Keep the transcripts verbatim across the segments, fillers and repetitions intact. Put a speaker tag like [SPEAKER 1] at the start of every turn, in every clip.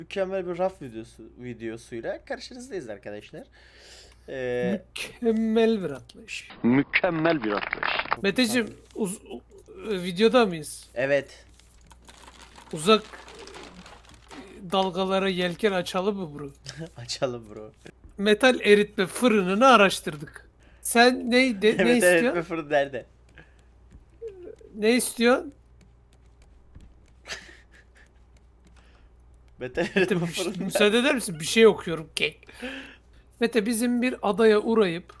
[SPEAKER 1] Mükemmel bir raf videosu videosuyla karşınızdayız arkadaşlar. Ee,
[SPEAKER 2] Mükemmel bir atlayış.
[SPEAKER 3] Mükemmel bir atlayış.
[SPEAKER 2] Meteciğim uz- u- videoda mıyız?
[SPEAKER 1] evet.
[SPEAKER 2] Uzak dalgalara yelken açalım mı bro?
[SPEAKER 1] Açalım bro.
[SPEAKER 2] Metal eritme fırınını araştırdık. Sen ne de, ne
[SPEAKER 1] Evet evet
[SPEAKER 2] istiyorsun?
[SPEAKER 1] ve fırın nerede?
[SPEAKER 2] Ne istiyorsun?
[SPEAKER 1] Metal
[SPEAKER 2] Mete,
[SPEAKER 1] eritme
[SPEAKER 2] bir-
[SPEAKER 1] fırın nerede?
[SPEAKER 2] müsaade eder misin? Bir şey okuyorum. Kek. Mete bizim bir adaya uğrayıp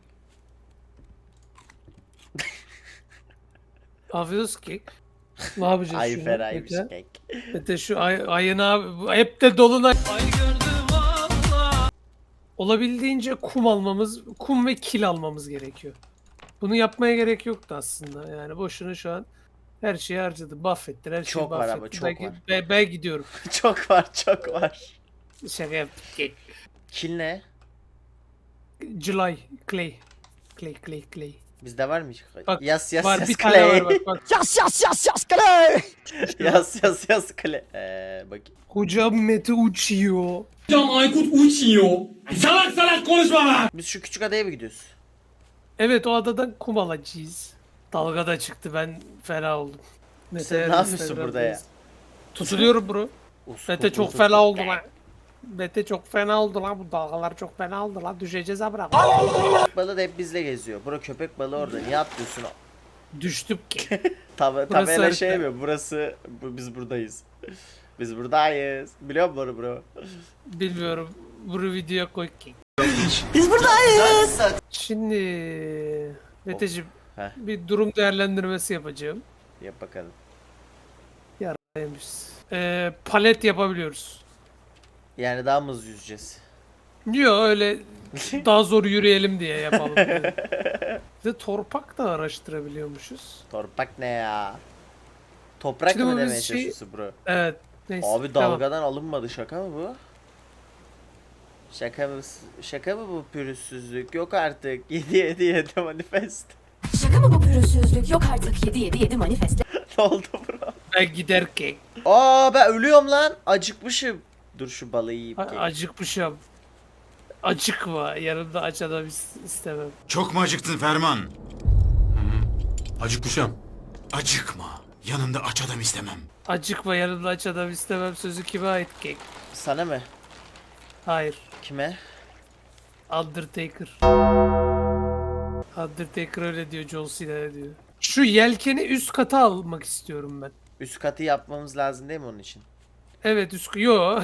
[SPEAKER 2] Afiyet kek. Ne yapacağız
[SPEAKER 1] Ay
[SPEAKER 2] şunu?
[SPEAKER 1] feraymış
[SPEAKER 2] Mete?
[SPEAKER 1] kek.
[SPEAKER 2] Mete şu ay, ayın abi bu hep de dolunay. Ay gördüm valla. Olabildiğince kum almamız, kum ve kil almamız gerekiyor. Bunu yapmaya gerek yoktu aslında. Yani boşuna şu an her şeyi harcadı. Buffettin, her şeyi
[SPEAKER 1] Çok var ama,
[SPEAKER 2] buffettin.
[SPEAKER 1] çok
[SPEAKER 2] ben,
[SPEAKER 1] var.
[SPEAKER 2] Ben, ben gidiyorum.
[SPEAKER 1] Çok var çok var.
[SPEAKER 2] Şaka yaptım. Kek.
[SPEAKER 1] Kil ne?
[SPEAKER 2] July, Clay. Clay, Clay, Clay.
[SPEAKER 1] Bizde var mı?
[SPEAKER 2] Bak,
[SPEAKER 1] yas yas
[SPEAKER 2] var
[SPEAKER 1] yas
[SPEAKER 2] bir tane var
[SPEAKER 1] clay.
[SPEAKER 2] bak bak.
[SPEAKER 3] Yas yas yas yas kale.
[SPEAKER 1] Yas yas yas clay. Ee, bak.
[SPEAKER 2] Hocam Mete uçuyor.
[SPEAKER 4] Hocam Aykut uçuyor. Salak salak konuşma lan.
[SPEAKER 1] Biz şu küçük adaya mı gidiyoruz?
[SPEAKER 2] Evet o adadan kum alacağız. Dalga da çıktı ben fena oldum. Mete
[SPEAKER 1] Sen ne
[SPEAKER 2] her
[SPEAKER 1] yapıyorsun
[SPEAKER 2] Instagram'da
[SPEAKER 1] burada ya?
[SPEAKER 2] yaz- Tutuluyorum bro.
[SPEAKER 1] Us,
[SPEAKER 2] Mete
[SPEAKER 1] us,
[SPEAKER 2] çok
[SPEAKER 1] us,
[SPEAKER 2] fena
[SPEAKER 1] us.
[SPEAKER 2] oldu lan. Mete çok fena oldu lan, bu dalgalar çok fena oldu lan, düşeceğiz ha bırak.
[SPEAKER 1] Köpek balığı da hep bizle geziyor. Bro köpek balığı orada. Niye atlıyorsun?
[SPEAKER 2] Düştük ki.
[SPEAKER 1] Tab
[SPEAKER 2] Burası
[SPEAKER 1] tabela
[SPEAKER 2] harita.
[SPEAKER 1] şey mi? Burası bu, biz buradayız. Biz buradayız. Biliyor musun bunu bro?
[SPEAKER 2] Bilmiyorum. Bu videoya koy ki.
[SPEAKER 3] Biz buradayız.
[SPEAKER 2] Şimdi Meteciğim
[SPEAKER 1] Heh.
[SPEAKER 2] bir durum değerlendirmesi yapacağım.
[SPEAKER 1] Yap bakalım.
[SPEAKER 2] Neymiş? Ee, palet yapabiliyoruz.
[SPEAKER 1] Yani daha mı hızlı yüzeceğiz?
[SPEAKER 2] Yok öyle daha zor yürüyelim diye yapalım. dedim. Bir de torpak da araştırabiliyormuşuz.
[SPEAKER 1] Torpak ne ya? Toprak
[SPEAKER 2] Şimdi
[SPEAKER 1] mı
[SPEAKER 2] bu
[SPEAKER 1] demeye
[SPEAKER 2] biz şey-
[SPEAKER 1] çalışıyorsun bro?
[SPEAKER 2] Evet. Neyse.
[SPEAKER 1] Abi
[SPEAKER 2] devam.
[SPEAKER 1] dalgadan alınmadı, şaka mı bu? Şaka mı? Şaka mı bu pürüzsüzlük? Yok artık. yedi yedi yedi manifest.
[SPEAKER 5] Şaka mı bu pürüzsüzlük? Yok artık yedi yedi yedi manifestle.
[SPEAKER 1] Ne oldu bro?
[SPEAKER 2] Ben giderken
[SPEAKER 1] Aa ben ölüyorum lan. Acıkmışım. Dur şu balığı yiyeyim.
[SPEAKER 2] a-
[SPEAKER 1] ki.
[SPEAKER 2] acıkmışım. Acıkma. Yanımda aç adam is- istemem.
[SPEAKER 6] Çok mu acıktın Ferman?
[SPEAKER 4] Acıkmışım.
[SPEAKER 6] Acıkma. Yanında aç adam istemem.
[SPEAKER 2] Acıkma, yanımda aç adam istemem sözü kime ait kek?
[SPEAKER 1] Sana mı?
[SPEAKER 2] Hayır.
[SPEAKER 1] Kime?
[SPEAKER 2] Undertaker. Undertaker öyle diyor, John Cena diyor. Şu yelkeni üst kata almak istiyorum ben.
[SPEAKER 1] Üst katı yapmamız lazım değil mi onun için?
[SPEAKER 2] Evet üst yo.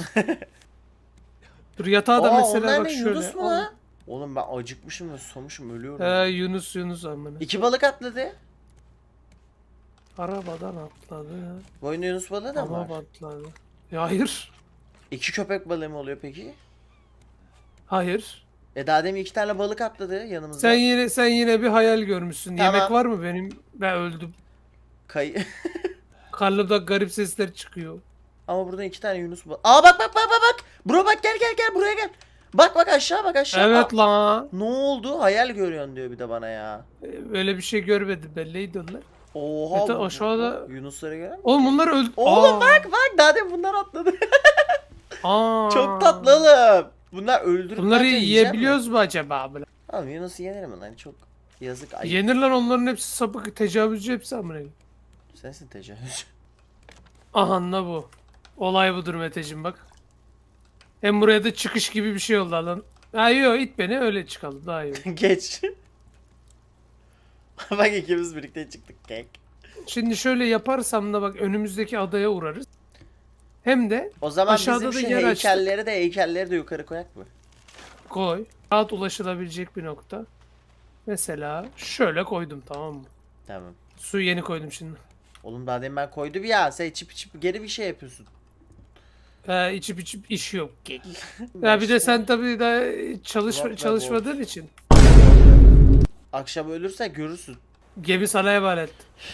[SPEAKER 2] Dur yatağa da
[SPEAKER 1] Aa
[SPEAKER 2] mesela
[SPEAKER 1] onlar
[SPEAKER 2] bak
[SPEAKER 1] ne?
[SPEAKER 2] şöyle.
[SPEAKER 1] Yunus mu lan? Oğlum ben acıkmışım ve susamışım, ölüyorum.
[SPEAKER 2] He Yunus Yunus amına.
[SPEAKER 1] İki balık atladı.
[SPEAKER 2] Arabadan atladı.
[SPEAKER 1] Boyunda Yunus balığı da mı
[SPEAKER 2] Ama
[SPEAKER 1] var?
[SPEAKER 2] atladı. Ya hayır.
[SPEAKER 1] İki köpek balığı mı oluyor peki?
[SPEAKER 2] Hayır.
[SPEAKER 1] E daha demin iki tane balık atladı yanımızda.
[SPEAKER 2] Sen yine sen yine bir hayal görmüşsün.
[SPEAKER 1] Tamam.
[SPEAKER 2] Yemek var mı benim? Ben öldüm.
[SPEAKER 1] Kay
[SPEAKER 2] Karnımda garip sesler çıkıyor.
[SPEAKER 1] Ama buradan iki tane Yunus balığı. Aa bak bak bak bak bak. Bro bak gel gel gel buraya gel. Bak bak aşağı bak aşağı.
[SPEAKER 2] Evet
[SPEAKER 1] Aa,
[SPEAKER 2] la.
[SPEAKER 1] ne oldu? Hayal görüyorsun diyor bir de bana ya.
[SPEAKER 2] Öyle bir şey görmedim ben. Neydi onlar?
[SPEAKER 1] Oha.
[SPEAKER 2] Mete,
[SPEAKER 1] bu-
[SPEAKER 2] aşağıda-
[SPEAKER 1] Yunusları gören mi?
[SPEAKER 2] Oğlum bunlar öldü.
[SPEAKER 1] Oğlum
[SPEAKER 2] Aa.
[SPEAKER 1] bak bak daha demin bunlar atladı.
[SPEAKER 2] Aa.
[SPEAKER 1] Çok tatlı oğlum. Bunlar öldürüp
[SPEAKER 2] Bunları
[SPEAKER 1] bence yiyecek mi?
[SPEAKER 2] yiyebiliyoruz mu acaba abi?
[SPEAKER 1] Oğlum Yunus'u yenir mi lan? Çok yazık. Ay.
[SPEAKER 2] Yenir lan, onların hepsi sapık, tecavüzcü hepsi amına.
[SPEAKER 1] Sensin tecavüz.
[SPEAKER 2] Aha ne bu. Olay budur Meteciğim bak. Hem buraya da çıkış gibi bir şey oldu lan. Ha yok, it beni öyle çıkalım daha iyi olur.
[SPEAKER 1] Geç. Bak ikimiz birlikte çıktık kek.
[SPEAKER 2] Şimdi şöyle yaparsam da bak önümüzdeki adaya uğrarız. Hem de
[SPEAKER 1] O zaman
[SPEAKER 2] Aşağıda
[SPEAKER 1] bizim
[SPEAKER 2] da
[SPEAKER 1] şu
[SPEAKER 2] yer açtık.
[SPEAKER 1] heykelleri de heykelleri de yukarı koyak mı?
[SPEAKER 2] koy. Rahat ulaşılabilecek bir nokta. Mesela şöyle koydum, tamam mı?
[SPEAKER 1] Tamam.
[SPEAKER 2] Suyu yeni koydum şimdi.
[SPEAKER 1] Oğlum daha demin ben koydum ya. Sen içip içip geri bir şey yapıyorsun.
[SPEAKER 2] Ha, içip içip iş yok. Ya bir de sen tabii daha çalış
[SPEAKER 1] What the
[SPEAKER 2] çalışmadığın için.
[SPEAKER 1] Akşam ölürsen görürsün.
[SPEAKER 2] Gemi sana emanet.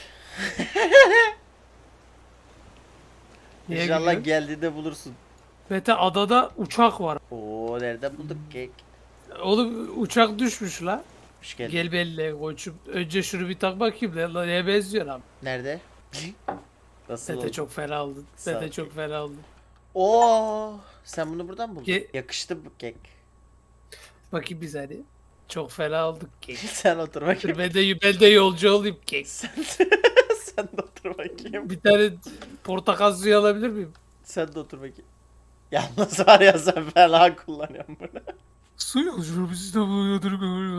[SPEAKER 2] Niye
[SPEAKER 1] İnşallah
[SPEAKER 2] gülüyorsun?
[SPEAKER 1] geldiğinde bulursun.
[SPEAKER 2] Mete adada uçak var.
[SPEAKER 1] Oo nerede bulduk kek?
[SPEAKER 2] Oğlum uçak düşmüş la.
[SPEAKER 1] Hoş geldin.
[SPEAKER 2] Gel belli koçum. Önce şunu bir tak bakayım lan. Lan neye benziyor lan?
[SPEAKER 1] Nerede? Nasıl
[SPEAKER 2] Mete
[SPEAKER 1] oldu?
[SPEAKER 2] çok fena oldun.
[SPEAKER 1] Sağ ol.
[SPEAKER 2] Mete çok fena oldun.
[SPEAKER 1] Oo, sen bunu buradan buldun.
[SPEAKER 2] Ge-
[SPEAKER 1] Yakıştı bu kek.
[SPEAKER 2] Bakayım biz hani. Çok fena olduk kek.
[SPEAKER 1] Sen otur bakayım.
[SPEAKER 2] Ben de, ben de yolcu olayım kek.
[SPEAKER 1] Sen, sen de otur bakayım.
[SPEAKER 2] Bir tane portakal suyu alabilir miyim?
[SPEAKER 1] Sen de otur bakayım. Yalnız var ya sen fena kullanıyorsun bunu.
[SPEAKER 2] Su yolculuğu bizi de buluyordur.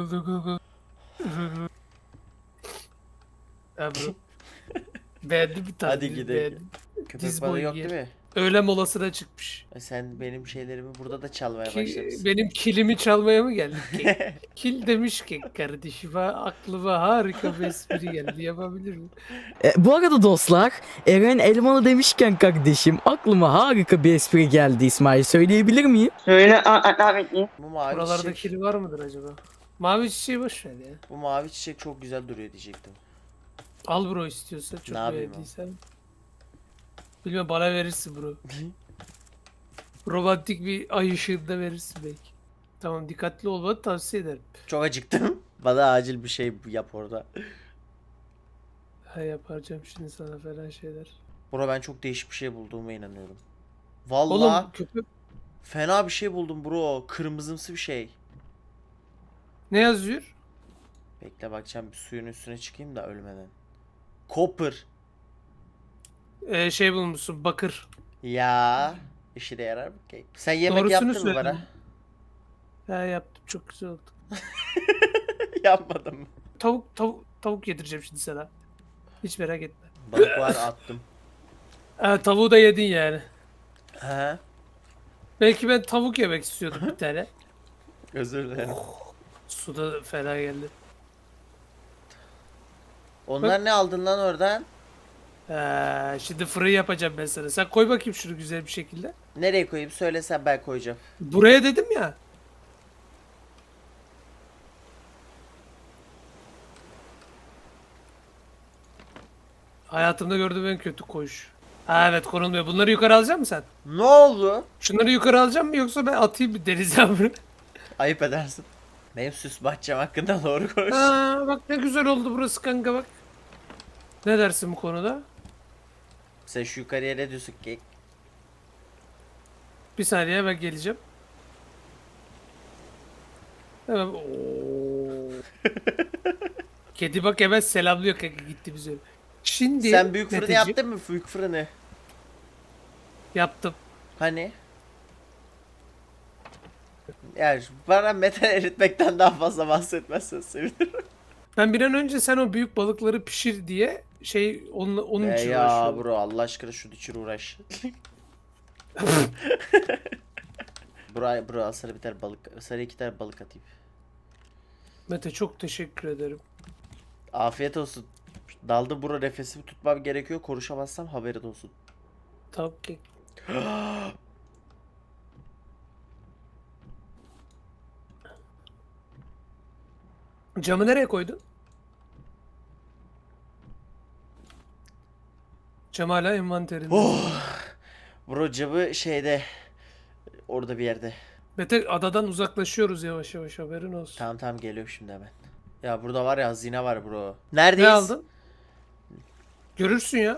[SPEAKER 2] Ebru. Beğendim bir tane.
[SPEAKER 1] Hadi gidelim.
[SPEAKER 2] beğendim.
[SPEAKER 1] Köpek
[SPEAKER 2] Diz
[SPEAKER 1] balığı
[SPEAKER 2] boyu
[SPEAKER 1] yok
[SPEAKER 2] yer.
[SPEAKER 1] değil mi?
[SPEAKER 2] Öğle molasına çıkmış.
[SPEAKER 1] E Sen benim şeylerimi burada da çalmaya
[SPEAKER 2] Ki,
[SPEAKER 1] başlamışsın.
[SPEAKER 2] benim kilimi çalmaya mı geldin ki? Kil demiş ki kardeşime aklıma harika bir espri geldi, yapabilir miyim?
[SPEAKER 7] E, bu arada dostlar, Eren Elmalı demişken kardeşim aklıma harika bir espri geldi İsmail, söyleyebilir miyim?
[SPEAKER 1] Bu mavi
[SPEAKER 2] Buralarda
[SPEAKER 1] çiçek,
[SPEAKER 2] kili var mıdır acaba? Mavi çiçeği boş ver ya.
[SPEAKER 1] bu mavi çiçek çok güzel duruyor diyecektim.
[SPEAKER 2] Al bro istiyorsa, çok
[SPEAKER 1] Ne yapayım
[SPEAKER 2] beğendiysen. Bilmem, bana verirsin bro. Romantik bir ay ışığında verirsin belki. Tamam, dikkatli olmanı tavsiye ederim.
[SPEAKER 1] Çok acıktım. Bana acil bir şey yap orada.
[SPEAKER 2] Ha, yapacağım şimdi sana falan şeyler.
[SPEAKER 1] Bro ben çok değişik bir şey bulduğuma inanıyorum.
[SPEAKER 2] Oğlum
[SPEAKER 1] Vallahi
[SPEAKER 2] köpek
[SPEAKER 1] fena bir şey buldum bro. Kırmızımsı bir şey.
[SPEAKER 2] ne yazıyor?
[SPEAKER 1] Bekle bakacağım, bir suyun üstüne çıkayım da ölmeden. Copper.
[SPEAKER 2] Ee, şey bulmuşsun, bakır.
[SPEAKER 1] Ya işe de yarar mı ki? Sen yemek
[SPEAKER 2] Doğrusunu
[SPEAKER 1] yaptın mı
[SPEAKER 2] söyledim.
[SPEAKER 1] bana?
[SPEAKER 2] Ha, yaptım, çok güzel oldu.
[SPEAKER 1] Yapmadım mı?
[SPEAKER 2] Tavuk tavuk tavuk yedireceğim şimdi sana. Hiç merak etme.
[SPEAKER 1] Balık var attım.
[SPEAKER 2] Ha, tavuğu da yedin yani.
[SPEAKER 1] He.
[SPEAKER 2] Belki ben tavuk yemek istiyordum bir tane.
[SPEAKER 1] Özür dilerim.
[SPEAKER 2] Suda fena geldi.
[SPEAKER 1] Onlar ne aldın lan oradan?
[SPEAKER 2] Ha, şimdi fırın yapacağım ben sana. Sen koy bakayım şunu güzel bir şekilde.
[SPEAKER 1] Nereye koyayım söylesen ben koyacağım.
[SPEAKER 2] Buraya dedim ya. Hayatımda gördüğüm en kötü koyuş. Ha, evet, konulmuyor. Bunları yukarı alacak mısın sen?
[SPEAKER 1] Ne oldu?
[SPEAKER 2] Şunları yukarı alacağım mı, yoksa ben atayım bir denize bunu?
[SPEAKER 1] Ayıp edersin. Benim süs bahçem hakkında doğru konuş.
[SPEAKER 2] Ha, bak ne güzel oldu burası kanka, bak. Ne dersin bu konuda?
[SPEAKER 1] Sen şu yukarıya ne diyorsun ki?
[SPEAKER 2] Bir saniye, ben geleceğim. Hemen. Oo. Kedi bak hemen selamlıyor kanka, gitti bize. Şimdi
[SPEAKER 1] Sen büyük fırını
[SPEAKER 2] Meteciğim,
[SPEAKER 1] yaptın mı? Büyük fırını.
[SPEAKER 2] yaptım.
[SPEAKER 1] Hani? Yani bana metal eritmekten daha fazla bahsetmezsen sevinirim.
[SPEAKER 2] Ben bir an önce sen o büyük balıkları pişir diye şey onun, onun
[SPEAKER 1] E
[SPEAKER 2] için
[SPEAKER 1] ya
[SPEAKER 2] uğraşıyorum.
[SPEAKER 1] bro Allah aşkına şu için uğraş. bro, bro al sana bir tane balık, sana iki tane balık atayım.
[SPEAKER 2] Mete, çok teşekkür ederim.
[SPEAKER 1] Afiyet olsun. Daldı bro, nefesimi tutmam gerekiyor. Konuşamazsam haberin olsun.
[SPEAKER 2] Tavuk kek. Camı nereye koydun? Cam hala envanterinde.
[SPEAKER 1] Oh. Bro camı şeyde, orada bir yerde.
[SPEAKER 2] Mete, adadan uzaklaşıyoruz yavaş yavaş, haberin olsun.
[SPEAKER 1] Tamam tamam geliyorum şimdi hemen. Ya burada var ya, hazine var bro. Neredeyiz?
[SPEAKER 2] Ne aldın? Görürsün ya.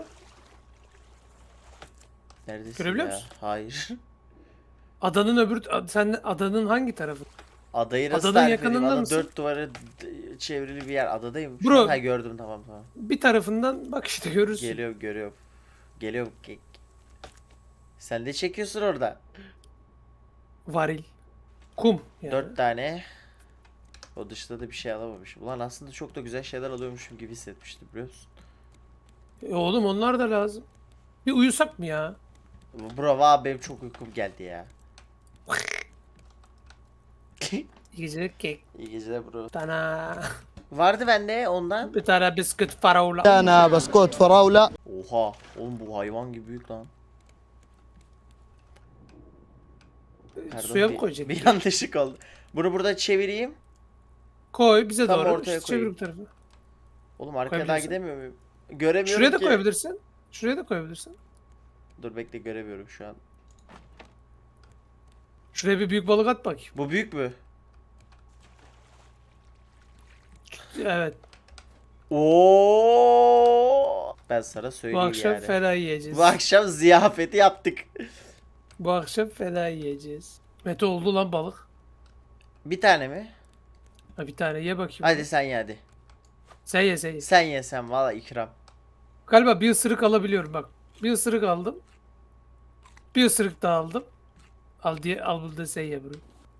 [SPEAKER 1] Neredesin
[SPEAKER 2] Görebiliyor
[SPEAKER 1] ya?
[SPEAKER 2] musun?
[SPEAKER 1] Hayır.
[SPEAKER 2] Adanın öbür ad- sen adanın hangi tarafı?
[SPEAKER 1] Adayı nasıl
[SPEAKER 2] Adanın
[SPEAKER 1] tarif edeyim?
[SPEAKER 2] yakınında
[SPEAKER 1] Ada
[SPEAKER 2] mısın?
[SPEAKER 1] dört duvarı d- çevrili bir yer. Adadayım. Şu
[SPEAKER 2] Bro.
[SPEAKER 1] an- Ha gördüm, tamam tamam.
[SPEAKER 2] Bir tarafından bak işte, görürsün.
[SPEAKER 1] Geliyorum görüyorum. Geliyorum. Ge- Sen de çekiyorsun orada.
[SPEAKER 2] Varil. Kum yani.
[SPEAKER 1] Dört tane. O dışta da bir şey alamamışım. Ulan aslında çok da güzel şeyler alıyormuşum gibi hissetmiştim, biliyor musun?
[SPEAKER 2] E oğlum, onlar da lazım. Bir uyusak mı ya?
[SPEAKER 1] Bro valla benim çok uykum geldi ya.
[SPEAKER 2] İyi geceler kek.
[SPEAKER 1] İyi geceler bro.
[SPEAKER 2] Tana.
[SPEAKER 1] Vardı bende ondan.
[SPEAKER 2] Bir tane bisküt farola.
[SPEAKER 3] انا بسكوت فراوله
[SPEAKER 1] Oha. Oğlum bu hayvan gibi büyük lan. Pardon,
[SPEAKER 2] Suya mı
[SPEAKER 1] bir-
[SPEAKER 2] koyacak?
[SPEAKER 1] Bir yanlışlık oldu. Bunu burada çevireyim.
[SPEAKER 2] Koy bize
[SPEAKER 1] Tam
[SPEAKER 2] doğru.
[SPEAKER 1] ortaya
[SPEAKER 2] İşte çevir
[SPEAKER 1] koyayım.
[SPEAKER 2] bu tarafa.
[SPEAKER 1] Oğlum arkaya daha
[SPEAKER 2] Koyabilirsin.
[SPEAKER 1] gidemiyor muyum? Göremiyorum
[SPEAKER 2] Şuraya da
[SPEAKER 1] ki.
[SPEAKER 2] koyabilirsin. Şuraya da koyabilirsin.
[SPEAKER 1] Dur bekle, göremiyorum şu an.
[SPEAKER 2] Şuraya bir büyük balık at bak.
[SPEAKER 1] Bu büyük mü?
[SPEAKER 2] Evet.
[SPEAKER 1] Oo! Ben sana
[SPEAKER 2] Bu
[SPEAKER 1] söyleyeyim
[SPEAKER 2] akşam
[SPEAKER 1] yani.
[SPEAKER 2] fena yiyeceğiz.
[SPEAKER 1] Bu akşam ziyafeti yaptık.
[SPEAKER 2] Bu akşam fena yiyeceğiz. Mete oldu lan balık.
[SPEAKER 1] Bir tane mi?
[SPEAKER 2] Ha bir tane ye bakayım.
[SPEAKER 1] Hadi sen ye hadi.
[SPEAKER 2] Sen ye sen ye.
[SPEAKER 1] Sen ye sen valla ikram.
[SPEAKER 2] Galiba bir ısırık alabiliyorum bak. Bir ısırık aldım. Bir ısırık daha aldım. Al diye al bunu da sen ye bunu.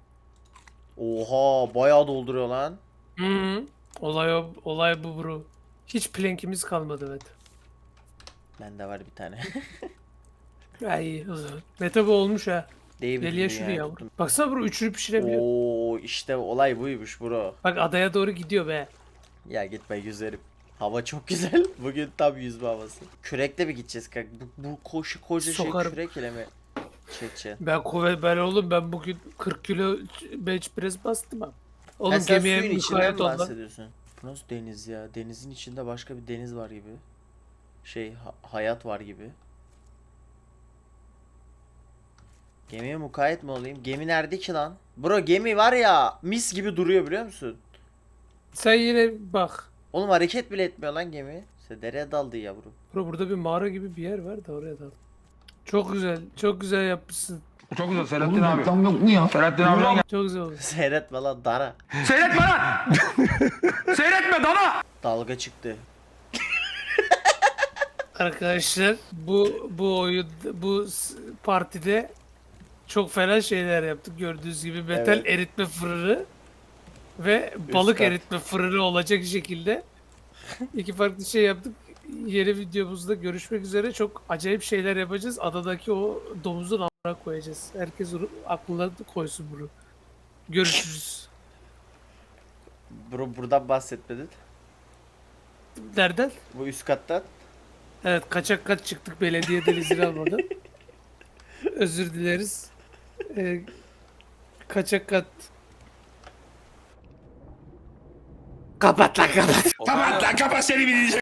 [SPEAKER 1] Oha bayağı dolduruyor lan.
[SPEAKER 2] Hı -hı. Olay o, olay bu bro. Hiç plankimiz kalmadı Mete.
[SPEAKER 1] Bende var bir tane.
[SPEAKER 2] Ay o zaman. Mete bu olmuş ha.
[SPEAKER 1] Değil
[SPEAKER 2] Gel
[SPEAKER 1] mi
[SPEAKER 2] ye şunu ya. Baksana bro üçünü pişirebiliyor.
[SPEAKER 1] Oo işte olay buymuş bro.
[SPEAKER 2] Bak adaya doğru gidiyor be.
[SPEAKER 1] Ya gitme yüzerim. Hava çok güzel. Bugün tam yüzme havası. Kürekle mi gideceğiz kanka? Bu, bu koşu koca
[SPEAKER 2] Sokarım.
[SPEAKER 1] şey kürek ile mi çekeceksin?
[SPEAKER 2] Ben kuvvet ben oğlum ben bugün kırk kilo bench press bastım ha.
[SPEAKER 1] Ha,
[SPEAKER 2] Oğlum
[SPEAKER 1] sen
[SPEAKER 2] gemiye
[SPEAKER 1] suyun içinden
[SPEAKER 2] mukayyet
[SPEAKER 1] mi
[SPEAKER 2] ol lan.
[SPEAKER 1] bahsediyorsun? Bu nasıl deniz ya? Denizin içinde başka bir deniz var gibi. Şey ha- hayat var gibi. Gemiye mukayyet mi olayım? Gemi nerede ki lan? Bro gemi var ya mis gibi duruyor biliyor musun?
[SPEAKER 2] Sen yine bak.
[SPEAKER 1] Oğlum hareket bile etmiyor lan gemi. İşte dereye daldı yavrum.
[SPEAKER 2] Bro burada bir mağara gibi bir yer var da oraya dal. Çok güzel. Çok güzel yapmışsın.
[SPEAKER 4] Çok güzel Selahattin abi. Selahattin abi.
[SPEAKER 2] Çok güzel olmuş.
[SPEAKER 1] Seyretme lan dara.
[SPEAKER 4] Seyretme lan. Seyretme dana.
[SPEAKER 1] Dalga çıktı.
[SPEAKER 2] Arkadaşlar bu bu oyun bu s- partide çok fena şeyler yaptık. Gördüğünüz gibi metal
[SPEAKER 1] Evet.
[SPEAKER 2] eritme fırını ve balık
[SPEAKER 1] kat.
[SPEAKER 2] eritme fırını olacak şekilde iki farklı şey yaptık. Yeni videomuzda görüşmek üzere. Çok acayip şeyler yapacağız. Adadaki o domuzun amına koyacağız. Herkes onu aklına koysun bunu. Görüşürüz.
[SPEAKER 1] Bro buradan bahsetmedin.
[SPEAKER 2] Nereden?
[SPEAKER 1] Bu üst kattan.
[SPEAKER 2] Evet kaçak kat çıktık belediyeden izin almadan. Özür dileriz. Ee, kaçak kat.
[SPEAKER 1] Kapat lan kapat.
[SPEAKER 4] Kapat lan kapat seni bir